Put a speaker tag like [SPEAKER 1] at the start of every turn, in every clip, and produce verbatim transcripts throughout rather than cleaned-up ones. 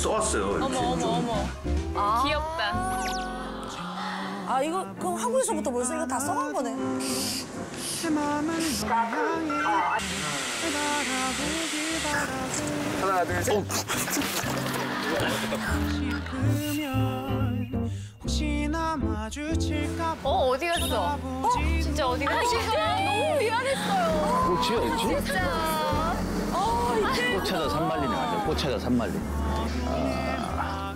[SPEAKER 1] 써왔어요. 이렇게
[SPEAKER 2] 어머 어머
[SPEAKER 1] 좀.
[SPEAKER 2] 어머. 아. 귀엽다.
[SPEAKER 3] 아 이거 그럼 한국에서부터 벌써 이거 다 써간 거네.
[SPEAKER 1] 하나, 둘, 셋.
[SPEAKER 2] 어 어디 갔어? 어 진짜 어디 갔어? 진짜 너무 미안했어요.
[SPEAKER 4] 꽃이 어디지?
[SPEAKER 2] 진짜. 어 이제.
[SPEAKER 4] 꽃 찾아 산말리네, 맞아. 꽃 찾아 산말리. 아...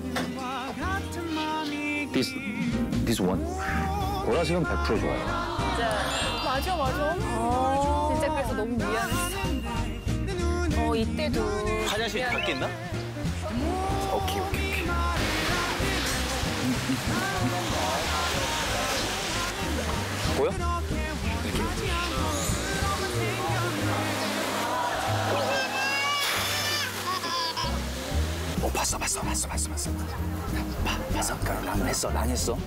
[SPEAKER 4] This, this one? 보라색은 백 퍼센트 좋아요.
[SPEAKER 2] 진짜. 맞아 맞아. 어. 진짜 그래서 너무 미안했어. 어 이때도.
[SPEAKER 4] 화장실 밖에 있나? 오케이, 오케이, 오케이. 보여? 어, 봤어, 봤어, 봤어, 봤어, 봤어. 봐, 봤어? 랑 했어, 랑 했어.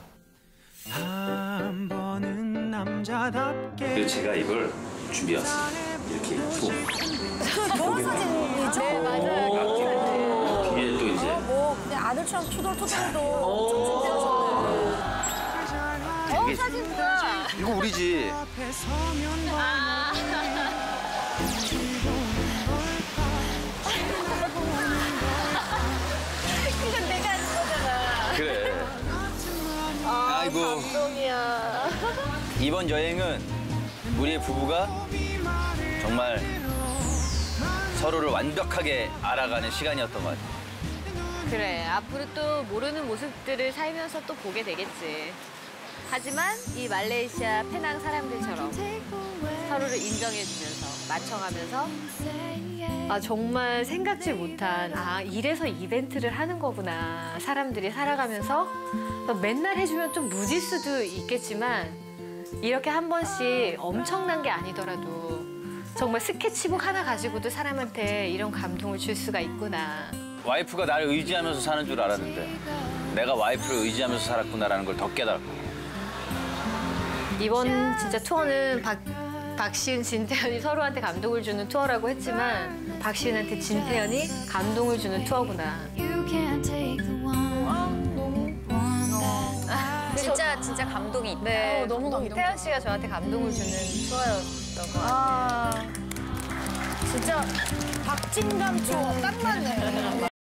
[SPEAKER 1] 그리고 제가 이걸 준비해왔어요. 이렇게 입고.
[SPEAKER 3] 그 결혼 사진이죠?
[SPEAKER 2] 네 맞아요.
[SPEAKER 1] 뒤에 또 이제.
[SPEAKER 3] 뭐 그냥 아들처럼 투덜투덜도 엄청 준비하셨네.
[SPEAKER 2] 어 사진 뭐야?
[SPEAKER 4] 이거 우리지.
[SPEAKER 2] 아. 이건 내가 한 거잖아.
[SPEAKER 4] 그래.
[SPEAKER 2] 아,
[SPEAKER 4] 아이고.
[SPEAKER 2] 감동이야.
[SPEAKER 4] 이번 여행은 우리의 부부가 정말 서로를 완벽하게 알아가는 시간이었던 것 같아.
[SPEAKER 2] 그래, 앞으로 또 모르는 모습들을 살면서 또 보게 되겠지. 하지만 이 말레이시아 페낭 사람들처럼 서로를 인정해주면서 맞춰가면서 아 정말 생각지 못한 아 이래서 이벤트를 하는 거구나. 사람들이 살아가면서 맨날 해주면 좀 무질 수도 있겠지만 이렇게 한 번씩 엄청난 게 아니더라도 정말 스케치북 하나 가지고도 사람한테 이런 감동을 줄 수가 있구나.
[SPEAKER 4] 와이프가 나를 의지하면서 사는 줄 알았는데 내가 와이프를 의지하면서 살았구나라는 걸 더 깨달았고.
[SPEAKER 2] 이번 진짜 투어는 박, 박시은, 진태현이 서로한테 감동을 주는 투어라고 했지만 박시은한테 진태현이 감동을 주는 투어구나.
[SPEAKER 5] 진짜 진짜 감동이 있다.
[SPEAKER 2] 네,
[SPEAKER 3] 어, 너무 감동.
[SPEAKER 2] 태연 씨가 저한테 감동을 주는 투어였던 것 같아요.
[SPEAKER 3] 아 진짜 박진감 투어 딱 맞네.